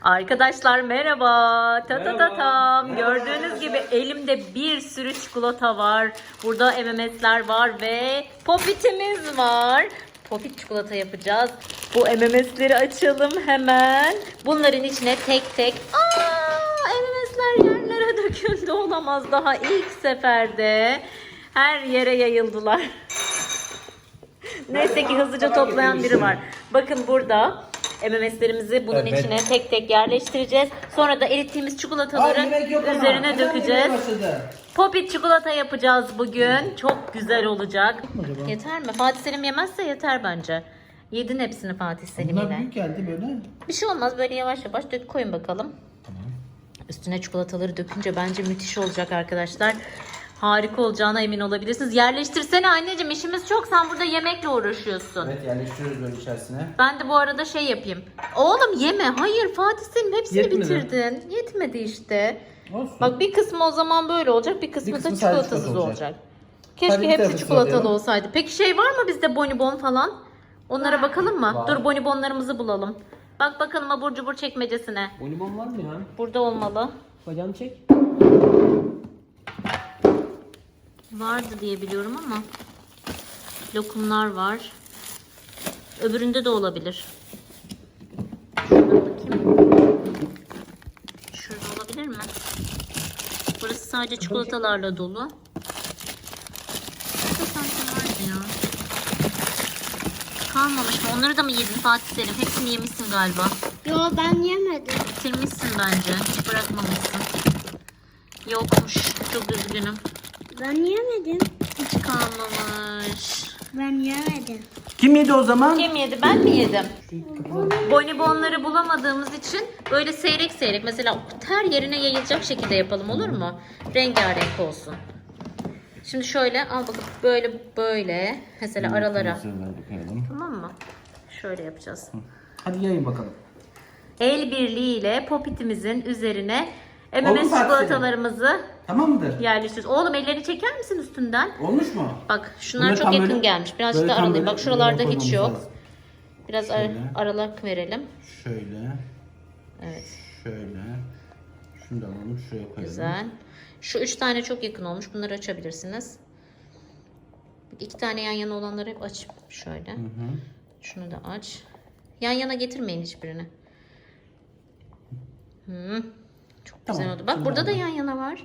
Arkadaşlar merhaba. Ta ta ta tam. Merhaba. Gördüğünüz gibi elimde bir sürü çikolata var. Burada MMS'ler var ve Popit'imiz var. Popit çikolata yapacağız. Bu MMS'leri açalım hemen. Bunların içine tek tek. MMS'ler yerlere döküldü, olamaz, daha ilk seferde. Her yere yayıldılar. Neyse ki hızlıca toplayan biri var. Bakın burada MMS'lerimizi bunun içine tek tek yerleştireceğiz. Sonra da erittiğimiz çikolataları üzerine dökeceğiz. Popit çikolata yapacağız bugün. Çok güzel olacak. Yeter mi? Fatih Selim yemezse yeter bence. Yedin hepsini Fatih Selim Bunlar yine. büyük geldi böyle. Bir şey olmaz, böyle yavaş yavaş dök, koyun bakalım. Tamam. Üstüne çikolataları dökünce bence müthiş olacak arkadaşlar. Harika olacağına emin olabilirsiniz. Yerleştirsene anneciğim, işimiz çok. Sen burada yemekle uğraşıyorsun. Evet, yerleştiriyoruz böyle içerisine. Ben de bu arada şey yapayım. Oğlum yeme. Hayır Fatih, senin hepsini Yetmedi. bitirdin. Yetmedi işte. Olsun. Bak, bir kısmı o zaman böyle olacak. Bir kısmı da kısmı sadece çikolatasız çikolata olacak. olacak. Keşke Hadi bir hepsi tanesi çikolatalı alayım. olsaydı. Peki şey var mı bizde, bonibon falan? Onlara bakalım mı? Var. Dur, bonibonlarımızı bulalım. Bak bakalım abur cubur çekmecesine. Bonibon var mı ya? Burada olmalı. Bacağını çek. Vardı diye biliyorum ama. Lokumlar var. Öbüründe de olabilir. Şuradan bakayım. Şurada olabilir mi? Burası sadece çikolatalarla dolu. Şurada sanki vardı ya. Kalmamış mı? Onları da mı yedin Fatih Selim? Hepsini yemişsin galiba. Yo, ben yemedim. Bitirmişsin bence. Hiç bırakmamışsın. Yokmuş. Çok üzgünüm. Ben yemedim. Hiç kalmamış. Ben yemedim. Kim yedi o zaman? Kim yedi? Ben mi yedim? Bonibonları bulamadığımız için böyle seyrek seyrek, mesela her yerine yayılacak şekilde yapalım, olur mu? Rengarenk olsun. Şimdi şöyle al bakın, böyle mesela aralara. Koyalım. Tamam mı? Şöyle yapacağız. Hadi yayın bakalım. El birliğiyle Popit'imizin üzerine Oldu mu MMS Fatih çikolatalarımızı Tamam mıdır? yerleştiriyoruz. Oğlum, elleri çeker misin üstünden? Olmuş mu? Bak şunlar Bunları çok tam yakın böyle- gelmiş. Birazcık böyle da tam aralayayım. böyle Bak şuralarda koymamız hiç yok. lazım. Biraz Şöyle. aralık verelim. Şöyle. Evet. Şöyle. Şunu da alalım. Şuraya koyalım. Güzel. Şu 3 tane çok yakın olmuş. Bunları açabilirsiniz. 2 tane yan yana olanları hep aç. Şöyle. Şunu da aç. Yan yana getirmeyin hiçbirini. Çok güzel Tamam, oldu. Bak şimdi burada da oldu. yan yana var.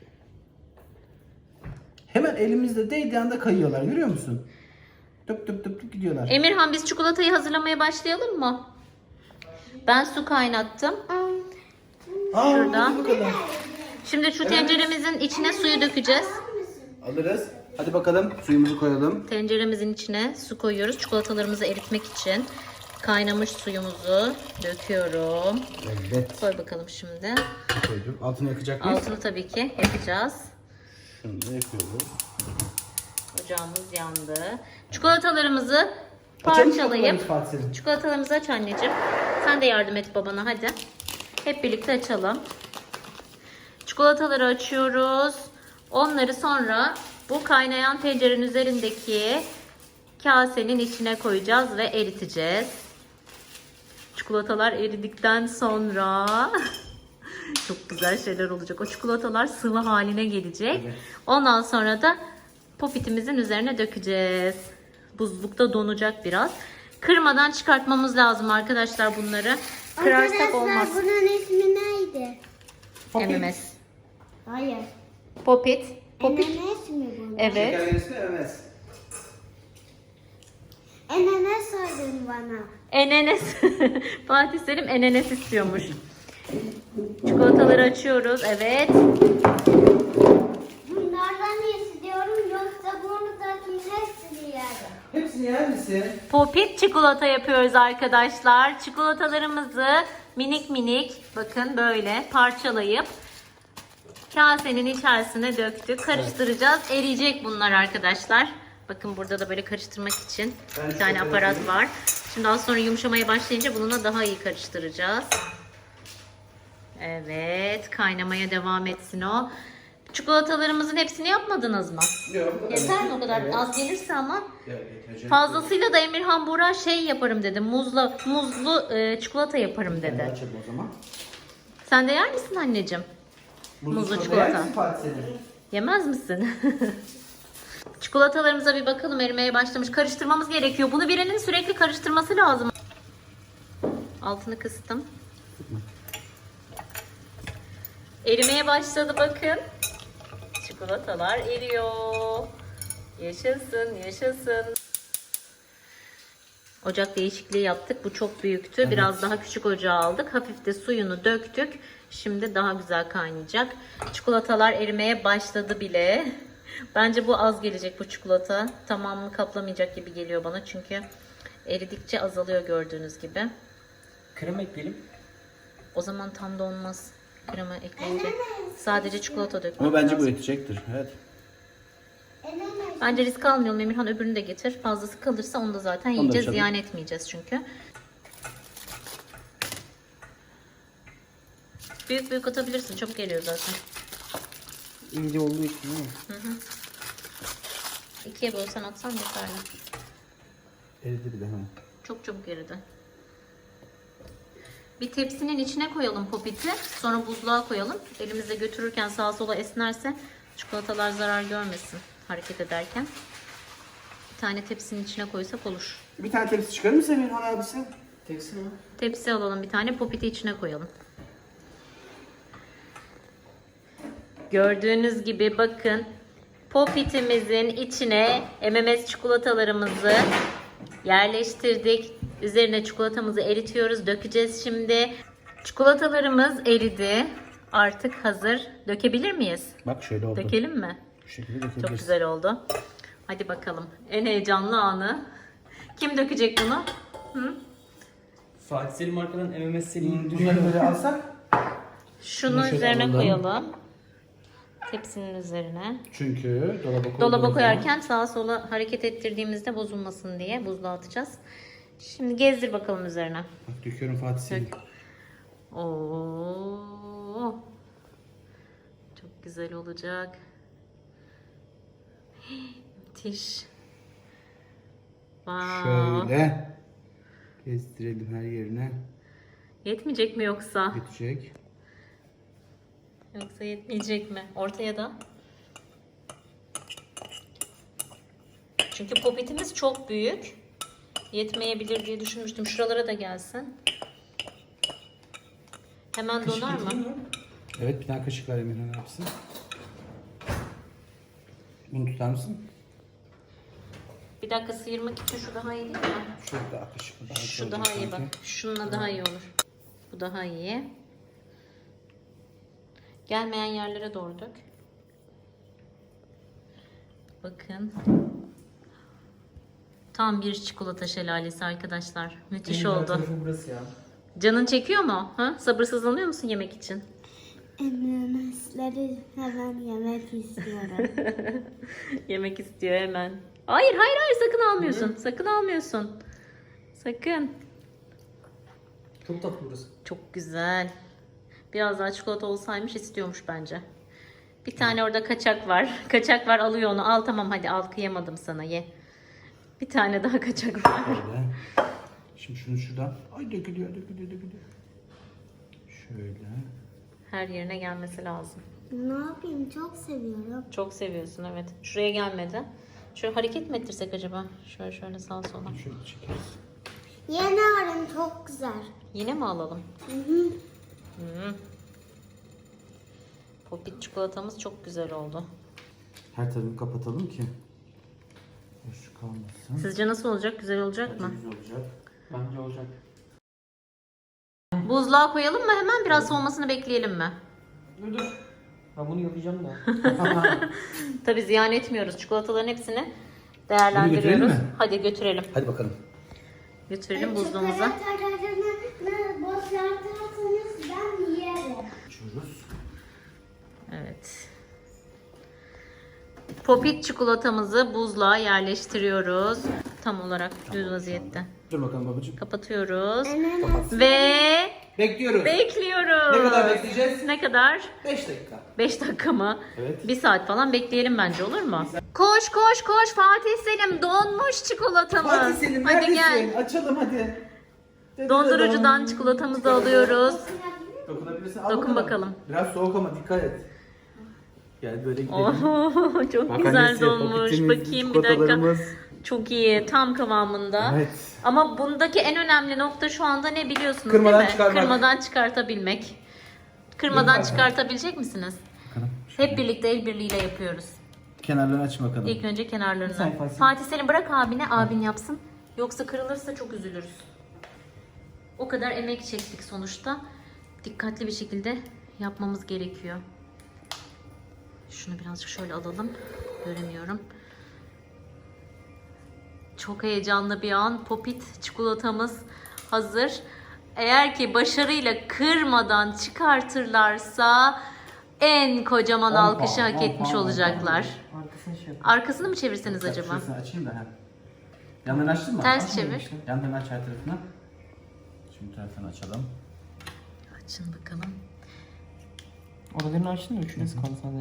Hemen elimizde değdiği anda kayıyorlar. Görüyor musun? Tıp tıp tıp tıp gidiyorlar. Emirhan, biz çikolatayı hazırlamaya başlayalım mı? Ben su kaynattım. şurada. hadi bu kadar. Şimdi şu tenceremizin içine suyu dökeceğiz. Alırız. Hadi bakalım suyumuzu koyalım. Tenceremizin içine su koyuyoruz. Çikolatalarımızı eritmek için. Kaynamış suyumuzu döküyorum. Evet. Koy bakalım şimdi. Koydum. Altını yakacak mıyız? Altını tabii ki yapacağız. Şunu da yakıyoruz. Ocağımız yandı. Çikolatalarımızı Açalım parçalayıp Fatih Selim. çikolatalarımızı aç anneciğim. Sen de yardım et babana, hadi. Hep birlikte açalım. Çikolataları açıyoruz. Onları sonra bu kaynayan tencerenin üzerindeki kasenin içine koyacağız ve eriteceğiz. Çikolatalar eridikten sonra çok güzel şeyler olacak. O çikolatalar sıvı haline gelecek. Evet. Ondan sonra da Popit'imizin üzerine dökeceğiz. Buzlukta donacak biraz. Kırmadan çıkartmamız lazım arkadaşlar bunları. Kırarsak Arkadaşlar, olmaz. bunun ismi neydi? MMS. Hayır. Popit. Enenes mi bu? Evet. Şekerlerisi evet. Enenes söyledin bana. Enenes. Fatih Selim enenes istiyormuş. Çikolataları açıyoruz. Evet. Bunlardan iyisi diyorum, yoksa burnudakilerin hepsini yerim. Hepsini yer misin? Popit çikolata yapıyoruz arkadaşlar. Çikolatalarımızı minik minik, bakın böyle parçalayıp kasenin içerisine döktük. Karıştıracağız. Eriyecek bunlar arkadaşlar. Bakın burada da böyle karıştırmak için bir tane aparat var. Şimdi daha sonra yumuşamaya başlayınca bununla daha iyi karıştıracağız. Evet, kaynamaya devam etsin o. Çikolatalarımızın hepsini yapmadınız mı? Yok. Yeter mi o kadar? Evet. Az gelirse ama. Yetecek. Fazlasıyla da Emirhan Buğra şey yaparım dedi. Muzlu çikolata yaparım Ben de dedi. açalım o zaman. Sen de yer misin anneciğim? Muzlu çikolata. Yer misin Fatih senin? Yemez misin? Çikolatalarımıza bir bakalım, erimeye başlamış. Karıştırmamız gerekiyor. Bunu birinin sürekli karıştırması lazım. Altını kıstım. Erimeye başladı bakın. Çikolatalar eriyor. Yaşasın, yaşasın. Ocak değişikliği yaptık. Bu çok büyüktü. Evet. Biraz daha küçük ocağa aldık. Hafif de suyunu döktük. Şimdi daha güzel kaynayacak. Çikolatalar erimeye başladı bile. Bence bu az gelecek bu çikolata. Tamamını kaplamayacak gibi geliyor bana. Çünkü eridikçe azalıyor gördüğünüz gibi. Krema ekleyelim. O zaman tam da olmaz. Krema ekleyince sadece çikolata dökmek Ama bence bu lazım. yetecektir. Evet. Bence risk almayalım. Emirhan öbürünü de getir. Fazlası kalırsa onu da zaten Onu da yiyeceğiz. açalım. Ziyan etmeyeceğiz çünkü. Büyük büyük atabilirsin. Çabuk geliyor zaten. İnce olduğu için değil mi? İkiye bölsen atsan yeterli. Eridi bir de hemen. Çok çabuk eridi. Bir tepsinin içine koyalım popiti. Sonra buzluğa koyalım. Elimizde götürürken sağa sola esnerse çikolatalar zarar görmesin hareket ederken. Bir tane tepsinin içine koysak olur. Bir tane tepsi çıkarır mısın Emirhan abisi? Tepsi mi? Tepsi alalım bir tane, popiti içine koyalım. Gördüğünüz gibi bakın, popitimizin içine MMS çikolatalarımızı yerleştirdik. Üzerine çikolatamızı eritiyoruz, dökeceğiz şimdi. Çikolatalarımız eridi. Artık hazır. Dökebilir miyiz? Bak şöyle oldu. Dökelim mi? Bu şekilde dökebiliriz. Çok güzel oldu. Hadi bakalım. En heyecanlı anı. Kim dökecek bunu? Hı? Fatih Selim arkadan MMS Selim'i Bunları böyle alsak. Şunu Bunu şöyle üzerine alalım. koyalım. Tepsinin üzerine. Çünkü Dolaba koyarken sağa sola hareket ettirdiğimizde bozulmasın diye buzluğa atacağız. Şimdi gezdir bakalım üzerine. Bak döküyorum Fatih Selim. Oo. Çok güzel olacak. Müthiş. Wow. Şöyle. Gezdirelim her yerine. Yetmeyecek mi yoksa? Geçecek. Yoksa yetmeyecek mi? Ortaya da. Çünkü popitimiz çok büyük. Yetmeyebilir diye düşünmüştüm. Şuralara da gelsin. Hemen donar mı? Evet bir tane kaşık ver Emirhan abisi. Bunu tutar mısın? Bir dakika sıyırmak için şu daha iyi değil mi? Şurada kaşık. Şu daha iyi bak. Şununla daha iyi olur. Bu daha iyi. Gelmeyen yerlere doğru dök. Bakın. Tam bir çikolata şelalesi arkadaşlar. Müthiş oldu. Burası ya. Canın çekiyor mu? Ha? Sabırsızlanıyor musun yemek için? MMS'leri hemen yemek istiyorum. Yemek istiyor hemen. Hayır hayır hayır sakın almıyorsun. Sakın almıyorsun. Sakın. Çok tatlı burası. Çok güzel. Biraz daha çikolata olsaymış istiyormuş bence. Bir tane orada kaçak var. Kaçak var, alıyor onu. Al tamam hadi al, kıyamadım sana, ye. Bir tane daha kaçak var. Şöyle. Şimdi şunu şuradan. Ay dökülüyor. Şöyle. Her yerine gelmesi lazım. Ne yapayım, çok seviyorum. Çok seviyorsun evet. Şuraya gelmedi. Şöyle hareket mi ettirsek acaba? Şöyle sağa sola. Şöyle çekeriz. Yeni arım çok güzel. Yine mi alalım? Hı. Popit çikolatamız çok güzel oldu. Her tarafını kapatalım ki. Boş kalmasın. Sizce nasıl olacak? Güzel olacak mı? Güzel olacak. Bence olacak. Buzluğa koyalım mı hemen? Biraz soğumasını bekleyelim mi? Dur. Ben bunu yapacağım da. Tabii ziyan etmiyoruz. Çikolataların hepsini Bunu değerlendiriyoruz. götürelim mi? Hadi götürelim. Hadi bakalım. Götürelim buzluğumuza. Çikolatalarını boşaltırsanız ben yerim. Açıyoruz. Evet. Popit çikolatamızı buzluğa yerleştiriyoruz. Tam olarak düz vaziyette. Dur bakalım babacığım. Kapatıyoruz. MMS Ve Bekliyoruz. Bekliyoruz. Ne kadar bekleyeceğiz? Ne kadar? 5 dakika. 5 dakika mı? Evet. 1 saat falan bekleyelim bence, olur mu? Koş koş koş Fatih Selim, donmuş çikolatamız. Fatih Selim Hadi neredesin? gel. Açalım hadi. Dondurucudan çikolatamızı alıyoruz. Dokunabilirsin. Al Dokun bakalım. Biraz soğuk ama dikkat et. Gel böyle gidelim. Oo, çok Bak güzel annesi, donmuş. popitimiz, Bakayım bir dakika. çikolatalarımız. Çok iyi, tam kıvamında. Evet. Ama bundaki en önemli nokta şu anda ne biliyorsunuz Kırmadan değil mi? çıkarmak. Kırmadan çıkartabilmek. Kırmadan Yok, çıkartabilecek misiniz? Bakalım. Hep birlikte el birliğiyle yapıyoruz. Kenarlarını aç bakalım. İlk önce kenarlarını. Sen Fatih. Fatih Selim bırak abine, abin yapsın. Yoksa kırılırsa çok üzülürüz. O kadar emek çektik sonuçta. Dikkatli bir şekilde yapmamız gerekiyor. Şunu birazcık şöyle alalım. Göremiyorum. Çok heyecanlı bir an. Popit çikolatamız hazır. Eğer ki başarıyla kırmadan çıkartırlarsa en kocaman 10 alkışı puan, hak 10 etmiş puan, olacaklar. Arkasını şey yap. Arkasını mı çevirseniz acaba? Şurasını açayım da. Yanlarını açtın mı? Ters Açmadın çevir. işte. Yanlarını aç her tarafına. Şimdi tarafını açalım. Açın bakalım. Oralarını açtın mı? Şurası kaldı sadece.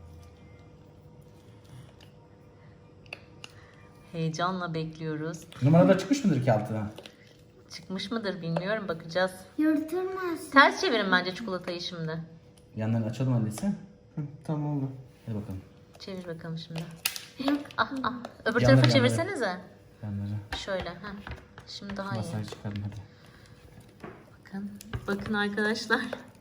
Heyecanla bekliyoruz. Numaralar çıkmış mıdır ki altına? Çıkmış mıdır bilmiyorum, bakacağız. Yırtılmaz. Ters çevirin bence çikolatayı şimdi. Yanlarını açalım annesi. Hı, tamam oldu. Hadi bakalım. Çevir bakalım şimdi. Ah ah. Öbür Yanları, tarafa yanları. çevirsenize. Yanları. Şöyle. Heh. Şimdi daha iyi. Masaya çıkarın hadi. Bakın. Bakın arkadaşlar.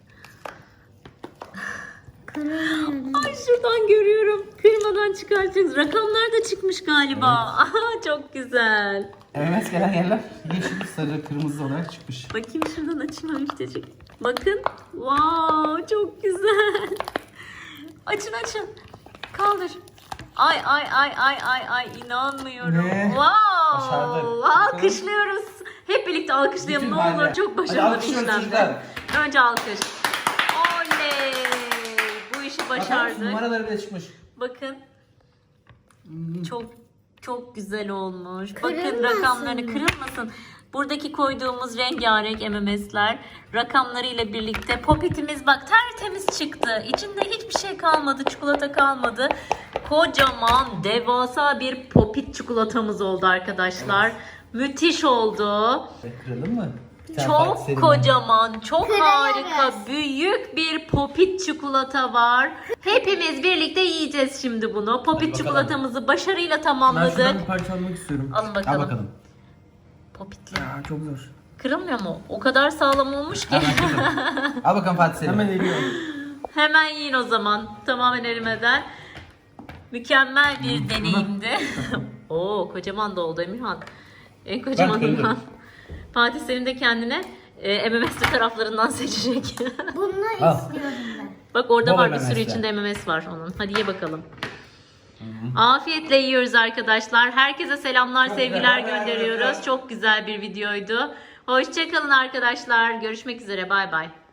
Kırılmıyor. Ay şuradan görüyorum. Kırmadan çıkartacağız. Rakamlar da çıkmış galiba. Aha, çok güzel. MMS gelen yerler yeşil, sarı, kırmızı olarak çıkmış. Bakayım şuradan açayım müftecik. Bakın. Wow, çok güzel. Açın açın. Kaldır. Ay ay ay ay ay ay, inanmıyorum. Ne? Wow. Başardık. Alkışlıyoruz. Hep birlikte alkışlayalım Bütün ne olur. mahalle. Çok Hadi başarılı bir alkışlıyoruz işlemdi. çocuklar. Önce alkış. Oley. Bu işi Bakar mısın? başardık. Numaraları bile çıkmış. Bakın. Çok çok güzel olmuş. Bakın Kırılmasın rakamlarını, mı? kırılmasın. Buradaki koyduğumuz rengarenk MMS'ler rakamlarıyla birlikte popitimiz bak tertemiz çıktı. İçinde hiçbir şey kalmadı, çikolata kalmadı. Kocaman, devasa bir popit çikolatamız oldu arkadaşlar. Müthiş oldu. Kırılır mı? Bir tane Çok Fatih Selim. kocaman, çok Kırarız. harika, büyük bir popit çikolata var. Hepimiz birlikte yiyeceğiz şimdi bunu. Popit bakalım. çikolatamızı başarıyla Ben tamamladık. şuradan bir parça almak istiyorum. Alın Al bakalım. bakalım. Popitli. Ya çok zor. Kırılmıyor mu? O kadar sağlam olmuş ki. Hemen kırdım. Al bakalım Fatih Selim. Hemen eriyorum. Hemen yiyin o zaman. Tamamen erimeden. Mükemmel bir deneyimdi. Oo, kocaman da oldu Emirhan. En kocamanından. kırdım. Fatih Selim de kendine MMS'li taraflarından seçecek. Bunu Al. istiyorum ben. Bak orada Bol var bir sürü MMS'ler. içinde MMS var onun. Hadi ye bakalım. Afiyetle yiyoruz arkadaşlar. Herkese selamlar, sevgiler gönderiyoruz. Çok güzel bir videoydu. Hoşçakalın arkadaşlar. Görüşmek üzere. Bay bay.